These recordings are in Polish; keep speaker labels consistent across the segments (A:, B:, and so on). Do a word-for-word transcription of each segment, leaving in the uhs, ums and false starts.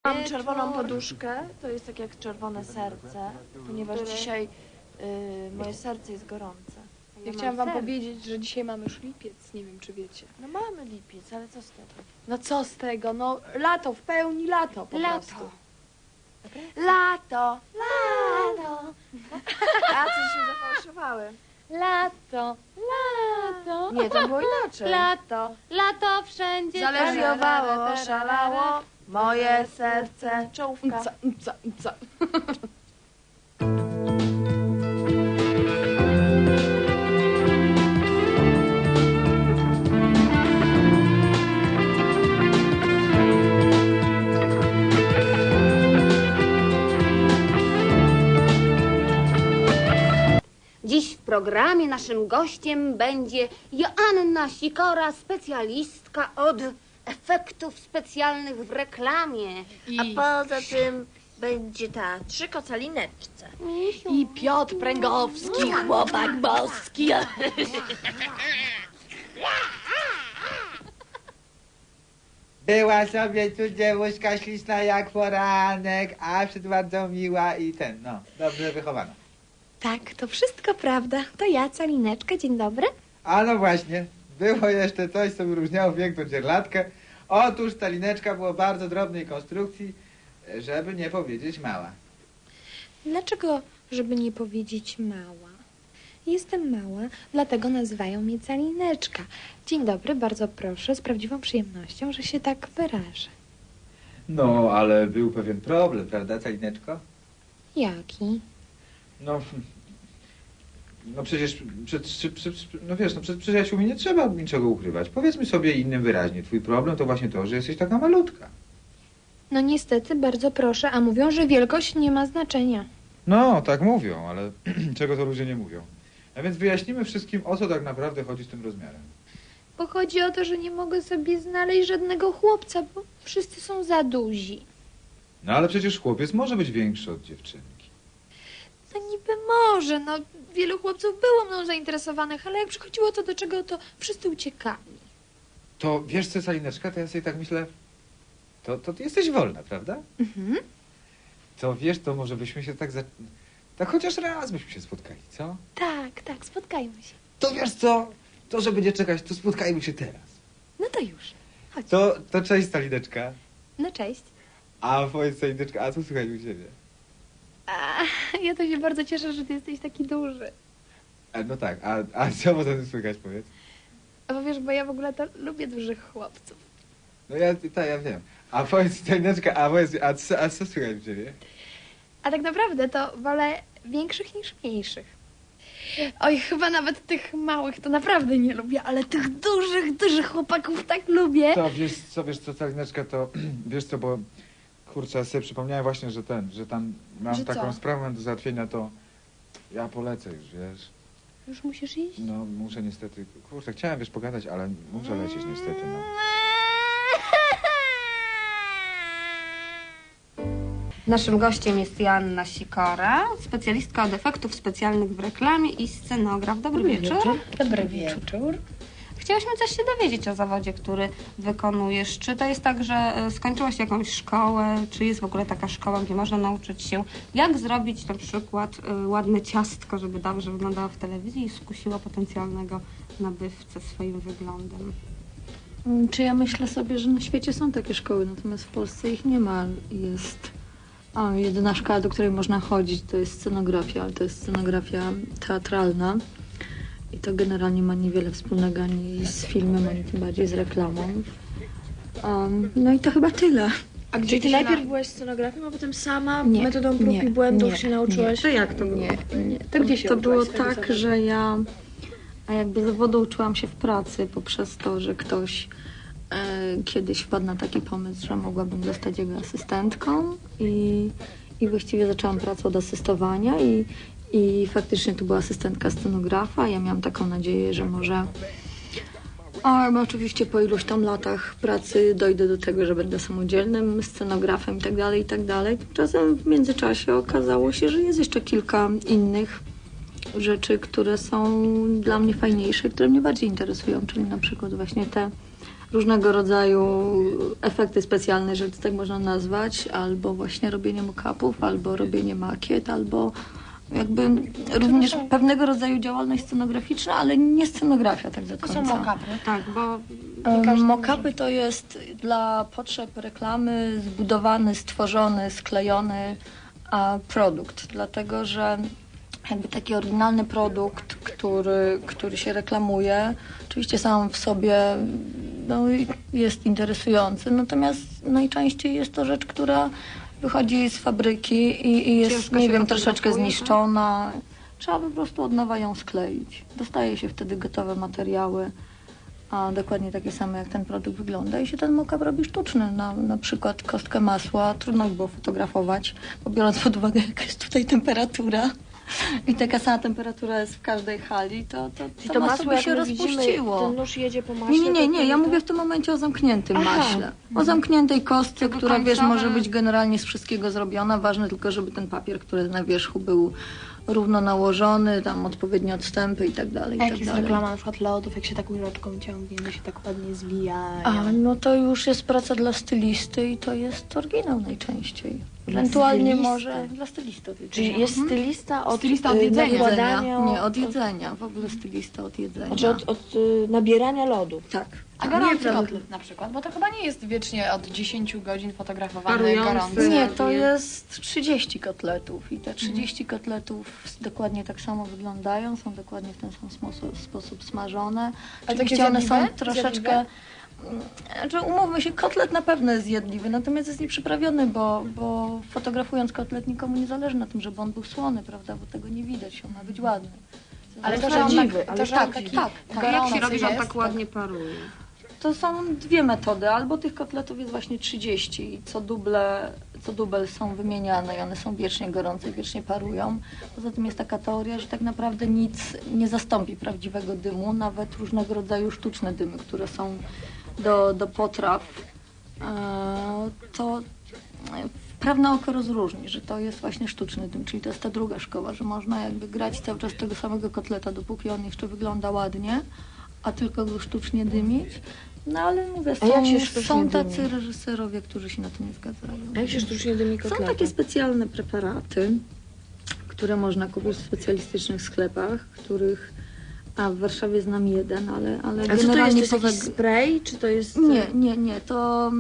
A: Mam czerwoną poduszkę, to jest tak jak czerwone serce, ponieważ dzisiaj y, moje serce jest gorące.
B: Ja chciałam wam powiedzieć, że dzisiaj mamy już lipiec, nie wiem czy wiecie.
A: No mamy lipiec, ale co z tego?
B: No co z tego, no lato, w pełni lato po
A: Lato.
B: prostu.
A: Lato, lato. A, coś się zafałszowały.
C: Lato, lato,
A: Nie, to było inaczej.
C: lato, lato wszędzie.
A: Zaleriowało, szalało moje serce. Czołówka.
B: Co, co, co?
D: Dziś w programie naszym gościem będzie Joanna Sikora, specjalistka od efektów specjalnych w reklamie.
B: I,
A: A poza tym będzie ta trzy kocalineczce.
B: I Piotr Pręgowski, chłopak boski.
E: Była sobie tu dziewuszka śliczna jak poranek, a przed bardzo miła i ten, no, dobrze wychowana.
C: Tak, to wszystko prawda. To ja, Calineczka, dzień dobry.
E: A no właśnie, było jeszcze coś, co wyróżniało piękną dzierlatkę. Otóż ta lineczka była bardzo drobnej konstrukcji, żeby nie powiedzieć mała.
C: Dlaczego, żeby nie powiedzieć mała? Jestem mała, dlatego nazywają mnie Calineczka. Dzień dobry, bardzo proszę, z prawdziwą przyjemnością, że się tak wyrażę.
E: No, ale był pewien problem, prawda, Calineczko?
C: Jaki?
E: No, no przecież, przed, przed, przed, no wiesz, no przed przyjaciółmi nie trzeba niczego ukrywać. Powiedzmy sobie innym wyraźnie, twój problem to właśnie to, że jesteś taka malutka.
C: No niestety, bardzo proszę, a mówią, że wielkość nie ma znaczenia.
E: No, tak mówią, ale czego to ludzie nie mówią. A więc wyjaśnimy wszystkim, o co tak naprawdę chodzi z tym rozmiarem.
C: Bo chodzi o to, że nie mogę sobie znaleźć żadnego chłopca, bo wszyscy są za duzi.
E: No ale przecież chłopiec może być większy od dziewczynki.
C: No niby może, no wielu chłopców było mną zainteresowanych, ale jak przychodziło to do czego, to wszyscy uciekali.
E: To wiesz co, Calineczka, to ja sobie tak myślę, to, to ty jesteś wolna, prawda?
C: Mhm.
E: To wiesz, to może byśmy się tak za... Tak chociaż raz byśmy się spotkali, co?
C: Tak, tak, spotkajmy się.
E: To wiesz co, to że będzie czekać, to spotkajmy się teraz.
C: No to już, chodź.
E: To, to cześć, Calineczka.
C: No cześć.
E: A powiedz, Calineczka, a co słychać u ciebie?
C: A, ja to się bardzo cieszę, że ty jesteś taki duży.
E: A, no tak, a, a co potem słychać, powiedz?
C: A bo wiesz, bo ja w ogóle to lubię dużych chłopców.
E: No ja, tak, ja wiem. A powiedz, Calineczka, a powiedz, a co, a co słychać u ciebie?
C: A tak naprawdę to wolę większych niż mniejszych. Oj, chyba nawet tych małych to naprawdę nie lubię, ale tych dużych, dużych chłopaków tak lubię.
E: To wiesz co, wiesz co, Calineczka, to wiesz co, bo kurczę, ja sobie przypomniałem właśnie, że ten, że tam mam
C: Że
E: taką
C: co?
E: sprawę do załatwienia, to ja polecę już, wiesz.
C: Już musisz iść?
E: No muszę niestety, kurczę, chciałem wiesz pogadać, ale muszę lecieć niestety, no.
D: Naszym gościem jest Joanna Sikora, specjalistka od efektów specjalnych w reklamie i scenograf. Dobry, wieczór.
C: Dobry wieczór.
D: Chciałyśmy coś się dowiedzieć o zawodzie, który wykonujesz. Czy to jest tak, że e, skończyłaś jakąś szkołę? Czy jest w ogóle taka szkoła, gdzie można nauczyć się, jak zrobić na przykład e, ładne ciastko, żeby dobrze wyglądało w telewizji i skusiło potencjalnego nabywcę swoim wyglądem?
F: Czy ja myślę sobie, że na świecie są takie szkoły, natomiast w Polsce ich nie ma. Jest a, jedyna szkoła, do której można chodzić, to jest scenografia, ale to jest scenografia teatralna. I to generalnie ma niewiele wspólnego ani z filmem, ani tym bardziej z reklamą. Um, no i to chyba tyle.
A: A gdzie ty najpierw byłaś scenografem, a potem sama
F: Nie,
A: metodą prób
F: nie,
A: i błędów
F: nie,
A: się nauczyłaś?
F: To
A: jak to było?
F: Nie, nie.
A: To gdzie się
F: To
A: uczyłaś
F: było
A: swojego
F: tak,
A: zawodu?
F: że ja a jakby zawodu uczyłam się w pracy poprzez to, że ktoś e, kiedyś wpadł na taki pomysł, że mogłabym zostać jego asystentką i, i właściwie zaczęłam pracę od asystowania i, i faktycznie to była asystentka scenografa. Ja miałam taką nadzieję, że może ale oczywiście po iluś tam latach pracy dojdę do tego, że będę samodzielnym scenografem i tak dalej, i tak dalej. Tymczasem w międzyczasie okazało się, że jest jeszcze kilka innych rzeczy, które są dla mnie fajniejsze, które mnie bardziej interesują, czyli na przykład właśnie te różnego rodzaju efekty specjalne, że tak można nazwać, albo właśnie robienie mock-upów, albo robienie makiet, albo jakby również pewnego rodzaju działalność scenograficzna, ale nie scenografia tak do
C: To
F: końca.
C: są mock-upy.
D: Tak, bo
F: Um, Mock-upy to jest dla potrzeb reklamy zbudowany, stworzony, sklejony a, produkt, dlatego że jakby taki oryginalny produkt, który, który się reklamuje, oczywiście sam w sobie no, jest interesujący, natomiast najczęściej jest to rzecz, która wychodzi z fabryki i, i jest,
D: Ciężko
F: nie
D: się
F: wiem, troszeczkę
D: fotografuje, tak?
F: zniszczona. Trzeba po prostu od nowa ją skleić. Dostaje się wtedy gotowe materiały, a dokładnie takie same jak ten produkt wygląda i się ten mock-up robi sztuczny. Na, na przykład kostkę masła trudno było fotografować, bo biorąc pod uwagę jaka jest tutaj temperatura i taka sama temperatura jest w każdej hali, to, to, to,
A: I to masło,
F: by
A: jak
F: się
A: my widzimy,
F: rozpuściło.
A: ten nóż jedzie po maśle.
F: Nie, nie, nie,
A: to
F: nie, ja
A: to-
F: mówię w tym momencie o zamkniętym
A: Aha.
F: maśle. O zamkniętej kostce,
D: Tego
F: która wiesz,
D: końcowe-
F: może być generalnie z wszystkiego zrobiona. Ważne tylko, żeby ten papier, który jest na wierzchu, był równo nałożony, tam odpowiednie odstępy i tak dalej. i
C: A
F: tak
C: jak jest
F: dalej.
C: reklama na przykład lodów, jak się tak łyżeczką ciągnie, one się tak ładnie zwijają.
F: A, no to już jest praca dla stylisty i to jest oryginał najczęściej. Ewentualnie
C: stylisty.
F: może dla stylistów.
A: Czyli jest
F: Mhm.
A: stylista od,
C: Stylista od
A: y,
C: jedzenia.
A: nakładania...
F: Nie, od jedzenia. W ogóle stylista od jedzenia.
A: Znaczy od, od y, nabierania lodów.
F: Tak.
C: A gorący kotlet na przykład, bo to chyba nie jest wiecznie od dziesięciu godzin fotografowany
D: Parujący.
C: gorący.
F: Nie, to
D: Nie.
F: jest trzydzieści kotletów i te trzydzieści kotletów dokładnie tak samo wyglądają, są dokładnie w ten sam sposób, sposób smażone.
C: takie
F: Oczywiście one są
C: zjadliwe?
F: troszeczkę... Mm, Znaczy, umówmy się, kotlet na pewno jest zjadliwy, natomiast jest nieprzyprawiony, bo, bo fotografując kotlet nikomu nie zależy na tym, żeby on był słony, prawda, bo tego nie widać, on ma być ładny.
C: Ale to,
A: To
C: że on
A: prawdziwy,
C: tak,
A: ale
C: to, że on
F: tak,
C: taki
F: tak, tak.
D: jak
C: gorący
D: się robi, że on
C: jest,
D: tak ładnie paruje?
F: To są dwie metody. Albo tych kotletów jest właśnie trzydzieści i co duble, co dubel są wymieniane i one są wiecznie gorące i wiecznie parują. Poza tym jest taka teoria, że tak naprawdę nic nie zastąpi prawdziwego dymu, nawet różnego rodzaju sztuczne dymy, które są do, do potraw. E, To prawne oko rozróżni, że to jest właśnie sztuczny dym, czyli to jest ta druga szkoła, że można jakby grać cały czas tego samego kotleta, dopóki on jeszcze wygląda ładnie, a tylko go sztucznie dymić. No ale mówię,
A: A jak
F: są,
A: się sztucznie
F: są tacy
A: dymi?
F: reżyserowie, którzy się na to nie zgadzają.
A: A jak się sztucznie dymi
F: Są
A: kotlety?
F: takie specjalne preparaty, które można kupić w specjalistycznych sklepach, których a w Warszawie znam jeden, ale, ale
A: A co to jest? To
F: generalnie
A: jest
F: poza...
A: jakiś spray, czy to jest...
F: Nie, nie, nie, to...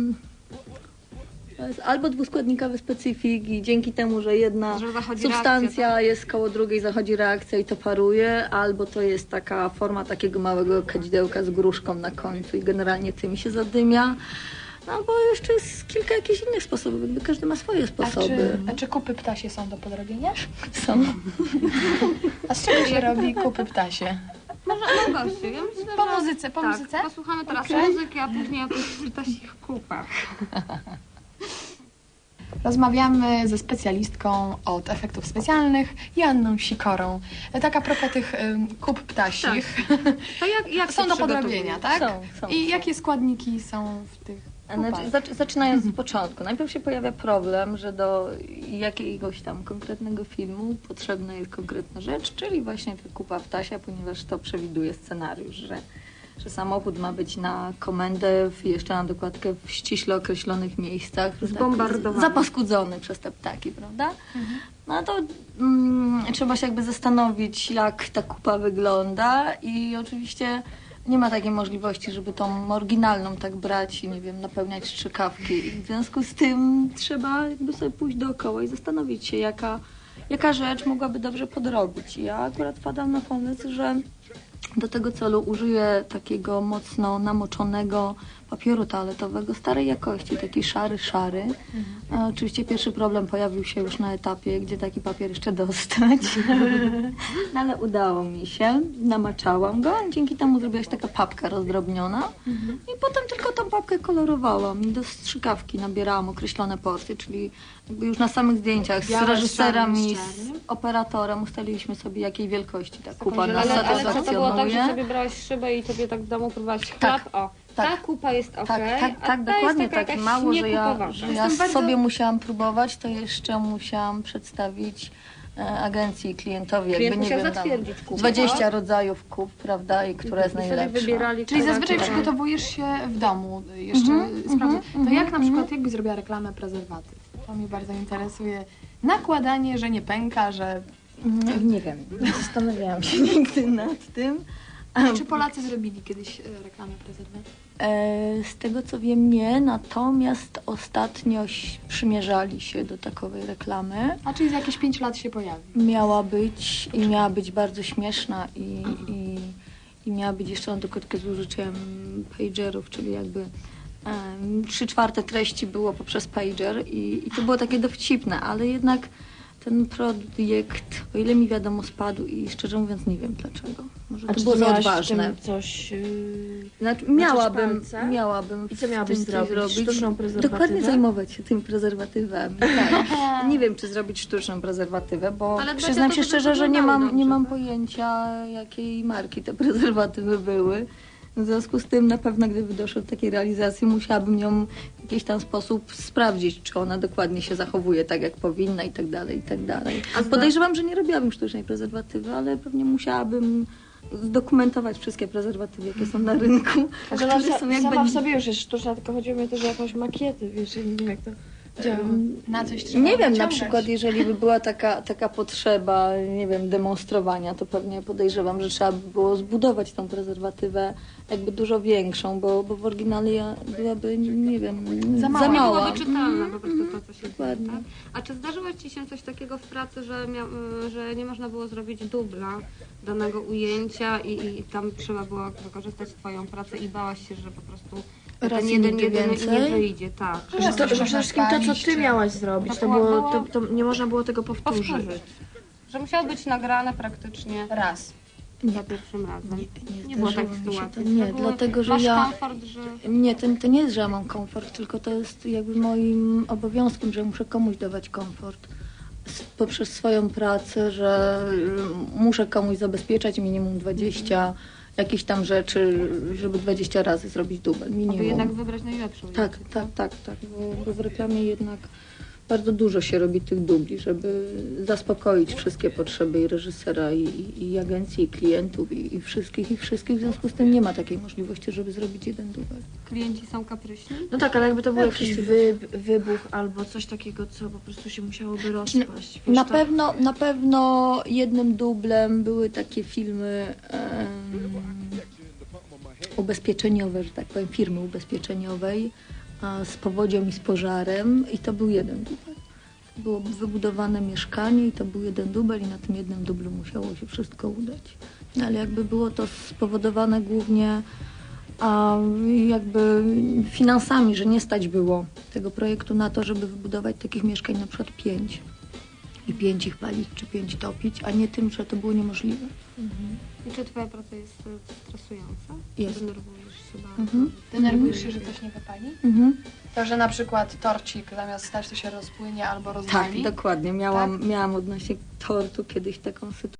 F: To jest albo dwuskładnikowy specyfik i dzięki temu, że jedna
D: Że zachodzi
F: substancja
D: reakcja,
F: jest koło drugiej, zachodzi reakcja i to paruje, albo to jest taka forma takiego małego kadzidełka z gruszką na końcu i generalnie tym się zadymia. No, albo jeszcze jest kilka jakichś innych sposobów, jakby każdy ma swoje
C: A
F: sposoby.
C: czy, a czy kupy ptasie są do podrobienia?
F: Są.
C: A z czego się robi kupy ptasie?
D: Może no gościu, ja myślę,
C: Po
D: że...
C: muzyce, po
D: tak,
C: muzyce?
D: posłuchamy teraz
C: Okej.
D: muzyki, a później o tych ptasich kupach.
C: Rozmawiamy ze specjalistką od efektów specjalnych, Joanną Sikorą. Tak a propos tych ym, kup ptasich,
D: To jak, jak
C: są
D: się
C: do
D: przygotowuje?
C: podrobienia, tak?
F: Są, są,
C: I
F: są.
C: jakie składniki są w tych kupach?
F: Znaczy, zac- zaczynając z początku. Najpierw się pojawia problem, że do jakiegoś tam konkretnego filmu potrzebna jest konkretna rzecz, czyli właśnie ta kupa ptasia, ponieważ to przewiduje scenariusz, że, że samochód ma być na komendę, w, jeszcze na dokładkę w ściśle określonych miejscach. że
D: Zbombardowany.
F: Tak, zapaskudzony przez te ptaki, prawda? No to mm, trzeba się jakby zastanowić, jak ta kupa wygląda i oczywiście nie ma takiej możliwości, żeby tą oryginalną tak brać i nie wiem, napełniać strzykawki. I w związku z tym trzeba jakby sobie pójść dookoła i zastanowić się, jaka, jaka rzecz mogłaby dobrze podrobić. Ja akurat wpadam na pomysł, że do tego celu użyję takiego mocno namoczonego papieru toaletowego starej jakości, taki szary, szary. A oczywiście pierwszy problem pojawił się już na etapie, gdzie taki papier jeszcze dostać. No ale udało mi się, namaczałam go, dzięki temu zrobiła się taka papka rozdrobniona i potem tylko tą papkę kolorowałam i do strzykawki nabierałam określone porcje, czyli jakby już na samych zdjęciach z
C: Białe z
F: reżyserem
C: czarnym,
F: i
C: z
F: z
C: czarnym?
F: operatorem ustaliliśmy sobie, jakiej wielkości ta kupa nas
G: Ale, ale to, to było tak, że
F: satysfakcjonuje.
G: sobie brałaś szybę i sobie tak w domu próbowałaś chleb,
F: Tak,
G: o,
F: tak.
G: ta kupa jest ok,
F: Tak, tak,
G: a
F: tak,
G: ta
F: dokładnie
G: jest taka
F: tak.
G: jakaś
F: Mało, że ja,
G: niekupowata.
F: że ja
C: Jestem bardzo-
F: sobie musiałam próbować, to jeszcze musiałam przedstawić e, agencji klientowi,
G: Klient
F: jakby nie
G: musiał
F: wiem, tam
G: zatwierdzić kupę.
F: dwadzieścia rodzajów kup, prawda, i która jest
G: I sobie
F: najlepsza.
G: wybierali,
B: Czyli
G: która-
B: zazwyczaj
G: która-
B: przygotowujesz się w domu jeszcze
F: Mhm,
B: sprawdzić.
F: mhm,
B: To
F: mhm,
B: jak na przykład,
F: mhm.
B: jakby zrobiła reklamę prezerwatyw? To mnie bardzo interesuje. Nakładanie, że nie pęka, że...
F: Nie, nie wiem, nie zastanawiałam się nigdy nad tym.
B: Czy Polacy zrobili kiedyś e, reklamę prezerwatyw?
F: E, Z tego co wiem, nie, natomiast ostatnio ś- przymierzali się do takowej reklamy.
B: A czyli za jakieś pięć lat się pojawi?
F: Miała być i miała być bardzo śmieszna i, i, i miała być jeszcze na dokładkę z użyciem pagerów, czyli jakby em, trzy czwarte treści było poprzez pager i, i to było takie dowcipne, ale jednak ten projekt, o ile mi wiadomo, spadł i szczerze mówiąc nie wiem dlaczego. Może
A: A
F: to
A: czy
F: było
A: ty
F: za
A: miałaś w
F: odważne.
A: tym coś... Yy...
F: Znaczy,
A: Maczysz
F: miałabym,
A: palce?
F: miałabym
A: I co
F: w
A: miałabyś
F: tym coś
A: zrobić?
F: zrobić.
A: Sztuczną prezerwatywę?
F: Dokładnie zajmować się tymi prezerwatywami. Tak. Nie wiem, czy zrobić sztuczną prezerwatywę, bo
G: Ale dbać
F: przyznam
G: o to,
F: się
G: żeby
F: szczerze, że nie
G: wyglądały
F: mam, nie
G: dobrze,
F: mam
G: tak?
F: pojęcia, jakiej marki te prezerwatywy były. W związku z tym na pewno, gdyby doszło do takiej realizacji, musiałabym ją w jakiś tam sposób sprawdzić, czy ona dokładnie się zachowuje tak, jak powinna i tak dalej, i tak dalej.
G: A zda-
F: Podejrzewam, że nie robiłabym sztucznej prezerwatywy, ale pewnie musiałabym zdokumentować wszystkie prezerwatywy, jakie są na rynku.
A: Że ona
F: które
A: sa-
F: są jakby-
A: sama w sobie już jest sztuczna, tylko chodziło mi też o jakąś makietę, wiesz, ja nie wiem jak to działa.
B: Na coś trzeba
F: Nie wiem, na
B: wyciągać.
F: przykład jeżeli by była taka, taka potrzeba, nie wiem, demonstrowania, to pewnie podejrzewam, że trzeba by było zbudować tą prezerwatywę jakby dużo większą, bo, bo w oryginale ja byłaby, nie wiem,
B: Za
F: za
B: mała.
G: Nie
F: mała.
G: byłoby czytelne po prostu to, co się dzieje,
F: Dokładnie.
G: tak? A czy zdarzyło Ci się coś takiego w pracy, że, mia, y, że nie można było zrobić dubla danego ujęcia i, i tam trzeba było wykorzystać Twoją pracę i bałaś się, że po prostu
F: Raz
G: ten
F: i
G: jeden,
F: nigdy
G: jeden nie
F: więcej?
G: wyjdzie, tak.
A: Że, to, że przede wszystkim to, co ty miałaś zrobić, to, było, to, to nie można było tego powtórzyć.
G: Powtórzyć. Że musiało być nagrane praktycznie
A: Raz.
G: za pierwszym razem.
F: Nie,
G: Nie było
F: zdarzyło
G: takiej
F: mi się
G: sytuacji.
F: to. Nie,
G: To były-
F: dlatego, że
G: masz
F: ja...
G: komfort, że...
F: Nie, to, to nie jest, że ja mam komfort, tylko to jest jakby moim obowiązkiem, że muszę komuś dawać komfort S- poprzez swoją pracę, że y, muszę komuś zabezpieczać minimum dwadzieścia jakichś tam rzeczy, żeby dwadzieścia razy zrobić dubel,
G: Aby
F: minimum.
G: jednak wybrać najlepszą.
F: Tak, tak, tak, tak, bo, bo w reklamie jednak bardzo dużo się robi tych dubli, żeby zaspokoić wszystkie potrzeby i reżysera, i, i, i agencji, i klientów, i, i wszystkich, i wszystkich. W związku z tym nie ma takiej możliwości, żeby zrobić jeden dubel.
G: Klienci są kapryśni?
A: No tak, ale jakby to był jakiś wy, wybuch albo coś takiego, co po prostu się musiałoby rozpaść. Wiesz,
F: Na
A: to-
F: pewno, na pewno jednym dublem były takie filmy em, ubezpieczeniowe, że tak powiem, firmy ubezpieczeniowej a, z powodzią i z pożarem i to był jeden dubel. To było wybudowane mieszkanie i to był jeden dubel i na tym jednym dublu musiało się wszystko udać. No, ale jakby było to spowodowane głównie a jakby finansami, że nie stać było tego projektu na to, żeby wybudować takich mieszkań na przykład pięć i pięć ich palić, czy pięć topić, a nie tym, że to było niemożliwe.
G: I czy Twoja praca jest e, stresująca?
F: Jest.
G: Denerwujesz się bardzo?
F: Mhm.
B: Denerwujesz się, że coś nie wypali?
F: Mhm.
B: To, że na przykład torcik zamiast stać to się rozpłynie albo rozwali?
F: Tak, dokładnie. Miałam, miałam odnośnie tortu kiedyś taką sytuację.